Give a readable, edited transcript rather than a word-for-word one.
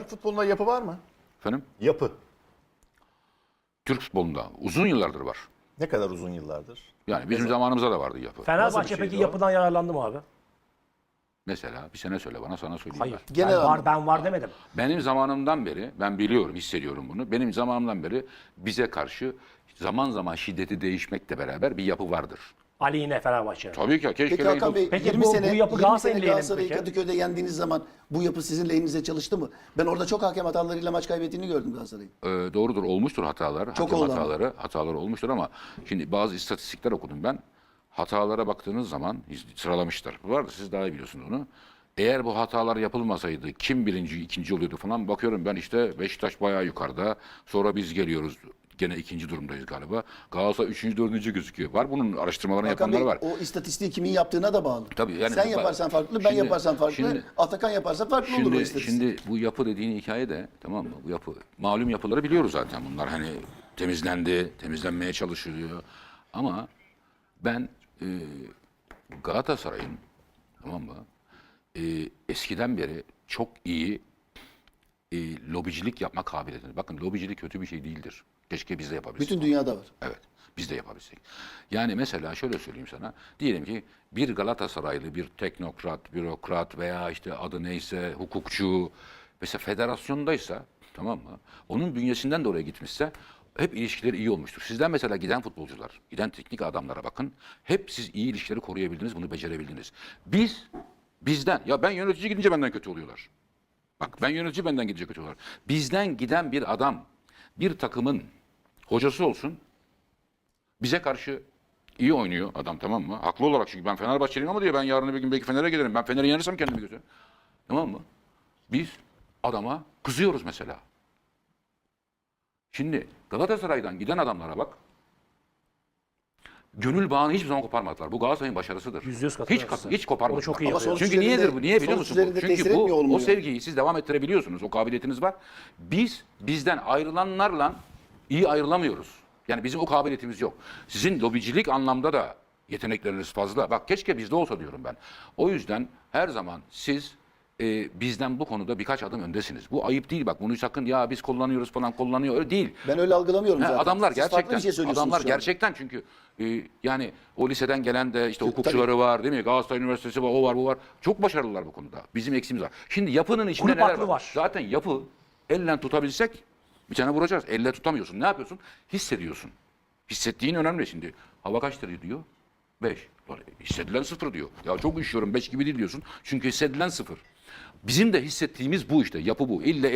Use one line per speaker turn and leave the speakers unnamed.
Türk futbolunda yapı var mı?
Efendim?
Yapı.
Türk futbolunda uzun yıllardır var.
Ne kadar uzun yıllardır?
Yani bizim zamanımızda da vardı yapı.
Fenerbahçe
Nasıl bir
peki
şeydi o?
yapıdan yararlandı mı abi?
Mesela bir sene söyle bana, sana söyleyeyim
Hayır.
ben.
Genel
ben var,
anlamda.
ben var demedim.
Benim zamanımdan beri, ben biliyorum, hissediyorum bunu. Benim zamanımdan beri bize karşı zaman zaman şiddeti değişmekle beraber bir yapı vardır.
Ali yine Fenerbahçe.
Tabii ki. Keşke
Peki Hakan Bey,
Peki
20
bu
sene,
yapı
20
Galatasaray'ın
sene
lehine mi
Galatasaray'ı
peki?
Kadıköy'de yendiğiniz zaman bu yapı sizin lehinize çalıştı mı? Ben orada çok hakem hatalarıyla maç kaybettiğini gördüm Galatasaray'ın.
Doğrudur, olmuştur hatalar.
Çok
Hakem
oldu ama.
hataları olmuştur ama şimdi bazı istatistikler okudum ben. Hatalara baktığınız zaman sıralamışlar. Bu arada siz daha iyi biliyorsunuz onu. Eğer bu hatalar yapılmasaydı kim birinci, ikinci oluyordu falan, bakıyorum ben işte Beşiktaş bayağı yukarıda. Sonra biz geliyoruz. Gene ikinci durumdayız galiba. Galatasaray üçüncü, dördüncü gözüküyor. Var bunun araştırmalarını
Hakan
yapanlar
Bey,
var.
o istatistiği kimin yaptığına da bağlı.
Tabii yani
Sen
bu-
yaparsan farklı, ben
Şimdi-
yaparsam farklı,
şimdi-
Atakan yaparsa farklı olur o istatistik.
Şimdi bu yapı dediğin hikaye de, tamam mı? Bu yapı, malum yapıları biliyoruz zaten bunlar. Hani temizlendi, temizlenmeye çalışılıyor. Ama ben Galatasaray'ın, tamam mı? Eskiden beri çok iyi lobicilik yapma kabiliyetini. Bakın, lobicilik kötü bir şey değildir. Keşke biz de yapabilsek.
Bütün dünyada var.
Evet, biz de yapabilsek. Yani mesela şöyle söyleyeyim sana. Diyelim ki bir Galatasaraylı, bir teknokrat, bürokrat veya işte adı neyse, hukukçu, mesela federasyondaysa, tamam mı? Onun bünyesinden de oraya gitmişse hep ilişkileri iyi olmuştur. Sizden mesela giden futbolcular, giden teknik adamlara bakın. Hep siz iyi ilişkileri koruyabildiniz, bunu becerebildiniz. Bizden, ya ben yönetici gidince benden kötü oluyorlar. Bak, ben yönetici benden gidince kötü oluyorlar. Bizden giden bir adam, bir takımın hocası olsun, bize karşı iyi oynuyor adam, tamam mı? Haklı olarak, çünkü ben Fenerbahçeliyim ama diyor, ben yarın bir gün belki Fener'e giderim. Ben Fener'i yenirsem kendimi götürürüm. Tamam mı? Biz adama kızıyoruz mesela. Şimdi Galatasaray'dan giden adamlara bak. Gönül bağını hiçbir zaman koparmadılar. Bu Galatasaray'ın başarısıdır.
%100
Hiç,
katılıyorum.
hiç koparmadılar.
Onu çok iyi
Ama
yapıyor.
sonuç
Çünkü niyedir
üzerinde-
bu? Niye biliyor
sonuç
musun bu?
üzerinde tesir
Çünkü bu,
etmiyor
o
olmuyor.
sevgiyi siz devam ettirebiliyorsunuz. O kabiliyetiniz var. Bizden ayrılanlarla iyi ayrılamıyoruz. Yani bizim o kabiliyetimiz yok. Sizin lobicilik anlamda da yetenekleriniz fazla. Bak, keşke bizde olsa diyorum ben. O yüzden her zaman siz bizden bu konuda birkaç adım öndesiniz. Bu ayıp değil bak. Bunu sakın ya biz kullanıyoruz falan, kullanıyor. Öyle değil.
Ben öyle algılamıyorum
Ha,
zaten.
adamlar
Siz farklı bir
gerçekten,
şey söylüyorsunuz
adamlar
şu an.
gerçekten, çünkü yani o liseden gelen de işte
Tabii.
hukukçuları var, değil mi? Galatasaray Üniversitesi var, o var, bu var. Çok başarılılar bu konuda. Bizim eksiğimiz var. Şimdi yapının içinde
Kulüp
neler
aklı var.
Zaten yapı, elle tutabilsek bir tane vuracağız. Elle tutamıyorsun. Ne yapıyorsun? Hissediyorsun. Hissettiğin önemli şimdi. Hava kaç derece diyor? 5. Hissedilen 0 diyor. Ya çok üşüyorum, 5 gibi değil diyorsun. Çünkü hissedilen 0. Bizim de hissettiğimiz bu işte. Yapı bu. İlle